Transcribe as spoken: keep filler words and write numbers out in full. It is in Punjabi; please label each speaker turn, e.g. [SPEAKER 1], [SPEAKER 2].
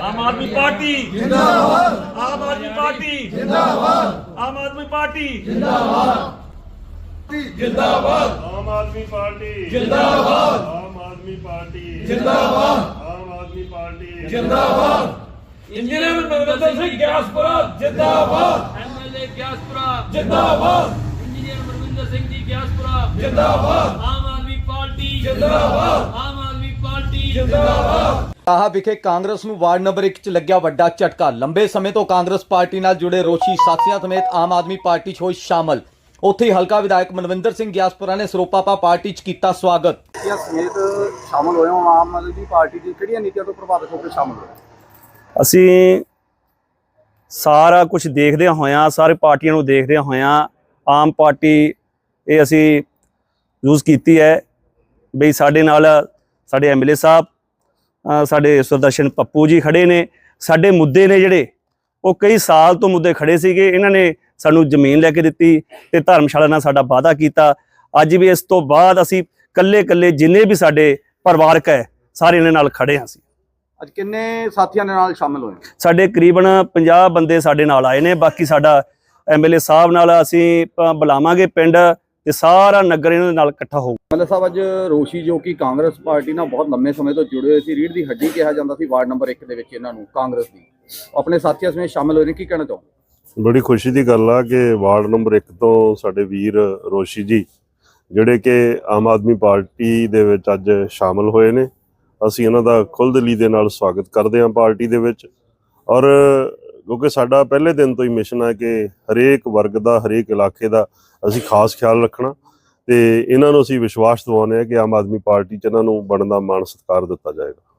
[SPEAKER 1] आम आदमी पार्टी जिंदाबाद, आम आदमी पार्टी जिंदाबाद, आम आदमी पार्टी जिंदाबाद, जिंदाबाद,
[SPEAKER 2] आम आदमी पार्टी
[SPEAKER 1] जिंदाबाद,
[SPEAKER 2] आम आदमी पार्टी
[SPEAKER 1] जिंदाबाद,
[SPEAKER 2] आम आदमी पार्टी
[SPEAKER 1] जिंदाबाद। इंजीनियर मनविंदर सिंह ग्यासपुरा जिंदाबाद,
[SPEAKER 3] एमएलए ग्यासपुरा
[SPEAKER 1] जिंदाबाद,
[SPEAKER 3] इंजीनियर मनविंदर सिंह जी ग्यासपुरा
[SPEAKER 1] जिंदाबाद,
[SPEAKER 3] आम आदमी पार्टी
[SPEAKER 1] जिंदाबाद,
[SPEAKER 3] आम आदमी पार्टी
[SPEAKER 1] जिंदाबाद।
[SPEAKER 4] ਆਹ ਵਿਖੇ ਕਾਂਗਰਸ ਨੂੰ ਵਾਰਡ ਨੰਬਰ ਇੱਕ 'ਚ ਲੱਗਿਆ ਵੱਡਾ ਝਟਕਾ। ਲੰਬੇ ਸਮੇਂ ਤੋਂ ਕਾਂਗਰਸ ਪਾਰਟੀ ਨਾਲ ਜੁੜੇ ਰੋਸ਼ੀ ਸਾਥੀਆਂ ਸਮੇਤ ਆਮ ਆਦਮੀ ਪਾਰਟੀ 'ਚ ਹੋਏ ਸ਼ਾਮਲ। ਉੱਥੇ ਹੀ ਹਲਕਾ ਵਿਧਾਇਕ ਮਨਵਿੰਦਰ ਸਿੰਘ ਗਿਆਸਪੁਰਾ ਨੇ ਸਰੋਪਾਪਾ ਪਾਰਟੀ 'ਚ ਕੀਤਾ ਸਵਾਗਤ।
[SPEAKER 5] ਨੀਤੀਆਂ ਸਮੇਤ ਸ਼ਾਮਲ ਹੋਏ ਹੋ। ਆਮ ਆਦਮੀ ਪਾਰਟੀ ਦੀ ਕਿਹੜੀਆਂ ਨੀਤੀਆਂ ਤੋਂ ਪ੍ਰਭਾਵਿਤ ਹੋ ਕੇ ਸ਼ਾਮਲ ਹੋਏ?
[SPEAKER 6] ਅਸੀਂ ਸਾਰਾ ਕੁਝ ਦੇਖਦਿਆਂ ਹੋਇਆਂ, ਸਾਰੇ ਪਾਰਟੀਆਂ ਨੂੰ ਦੇਖਦਿਆਂ ਹੋਇਆਂ ਆਮ ਪਾਰਟੀ ਇਹ ਅਸੀਂ ਯੂਜ਼ ਕੀਤੀ ਹੈ ਬਈ ਸਾਡੇ ਨਾਲ ਸਾਡੇ ਐਮਐਲਏ ਸਾਹਿਬ ਸਾਡੇ ਸੁਦਰਸ਼ਨ ਪੱਪੂ ਜੀ ਖੜੇ ਨੇ। ਸਾਡੇ ਮੁੱਦੇ ਨੇ ਜਿਹੜੇ ਉਹ ਕਈ ਸਾਲ ਤੋਂ ਮੁੱਦੇ ਖੜੇ ਸੀਗੇ। ਇਹਨਾਂ ਨੇ ਸਾਨੂੰ ਜ਼ਮੀਨ ਲੈ ਕੇ ਦਿੱਤੀ ਤੇ ਧਰਮਸ਼ਾਲਾ ਨਾਲ ਸਾਡਾ ਵਾਅਦਾ ਕੀਤਾ। ਅੱਜ ਵੀ ਇਸ ਤੋਂ ਬਾਅਦ ਅਸੀਂ ਕੱਲੇ ਕੱਲੇ ਜਿੰਨੇ ਵੀ ਸਾਡੇ ਪਰਿਵਾਰਕ ਹੈ ਸਾਰੇ ਇਹਨਾਂ ਨਾਲ ਖੜੇ ਹਾਂ। ਅਸੀਂ
[SPEAKER 5] ਅੱਜ ਕਿੰਨੇ ਸਾਥੀਆਂ ਦੇ ਨਾਲ ਸ਼ਾਮਲ ਹੋਏ?
[SPEAKER 6] ਸਾਡੇ ਕਰੀਬਨ ਪੰਜਾਹ ਬੰਦੇ ਸਾਡੇ ਨਾਲ ਆਏ ਨੇ। ਬਾਕੀ ਸਾਡਾ ਐਮਐਲਏ ਸਾਹਿਬ ਨਾਲ ਅਸੀਂ ਬੁਲਾਵਾਂਗੇ ਪਿੰਡ ਤੇ ਸਾਰਾ ਨਗਰ ਇਹਨਾਂ ਦੇ ਨਾਲ ਇਕੱਠਾ ਹੋਊ।
[SPEAKER 5] ਐਮਐਲਏ ਸਾਹਿਬ ਅੱਜ ਰੋਸ਼ੀ ਜੋ ਕਿ ਕਾਂਗਰਸ ਪਾਰਟੀ ਨਾਲ ਬਹੁਤ ਲੰਮੇ ਸਮੇਂ ਤੋਂ ਜੁੜੇ ਹੋਏ ਸੀ, ਰੀੜ੍ਹ ਦੀ ਹੱਡੀ ਕਿਹਾ ਜਾਂਦਾ ਸੀ ਵਾਰਡ ਨੰਬਰ ਇੱਕ ਦੇ ਵਿੱਚ ਇਹਨਾਂ ਨੂੰ, ਕਾਂਗਰਸ ਦੀ, ਆਪਣੇ ਸਾਥੀਆਂ ਸਮੇਤ ਸ਼ਾਮਲ ਹੋਏ ਨੇ। ਕੀ ਕਹਿਣਾ ਚਾਹੋ?
[SPEAKER 2] ਬੜੀ ਖੁਸ਼ੀ ਦੀ ਗੱਲ ਆ ਕਿ ਵਾਰਡ ਨੰਬਰ ਇੱਕ ਤੋਂ ਸਾਡੇ ਵੀਰ ਰੋਸ਼ੀ ਜੀ ਜਿਹੜੇ ਕਿ ਆਮ ਆਦਮੀ ਪਾਰਟੀ ਦੇ ਵਿੱਚ ਅੱਜ ਸ਼ਾਮਲ ਹੋਏ ਨੇ। ਅਸੀਂ ਇਹਨਾਂ ਦਾ ਖੁੱਲ੍ਹਦਿਲੀ ਦੇ ਨਾਲ ਸਵਾਗਤ ਕਰਦੇ ਹਾਂ ਪਾਰਟੀ ਦੇ ਵਿੱਚ। ਔਰ ਕਿਉਂਕਿ ਸਾਡਾ ਪਹਿਲੇ ਦਿਨ ਤੋਂ ਹੀ ਮਿਸ਼ਨ ਹੈ ਕਿ ਹਰੇਕ ਵਰਗ ਦਾ, ਹਰੇਕ ਇਲਾਕੇ ਦਾ ਅਸੀਂ ਖਾਸ ਖਿਆਲ ਰੱਖਣਾ ਤੇ ਇਹਨਾਂ ਨੂੰ ਅਸੀਂ ਵਿਸ਼ਵਾਸ ਦਿਵਾਉਂਦੇ ਹਾਂ ਕਿ ਆਮ ਆਦਮੀ ਪਾਰਟੀ 'ਚ ਇਹਨਾਂ ਨੂੰ ਬਣਦਾ ਮਾਣ ਸਤਿਕਾਰ ਦਿੱਤਾ ਜਾਏਗਾ।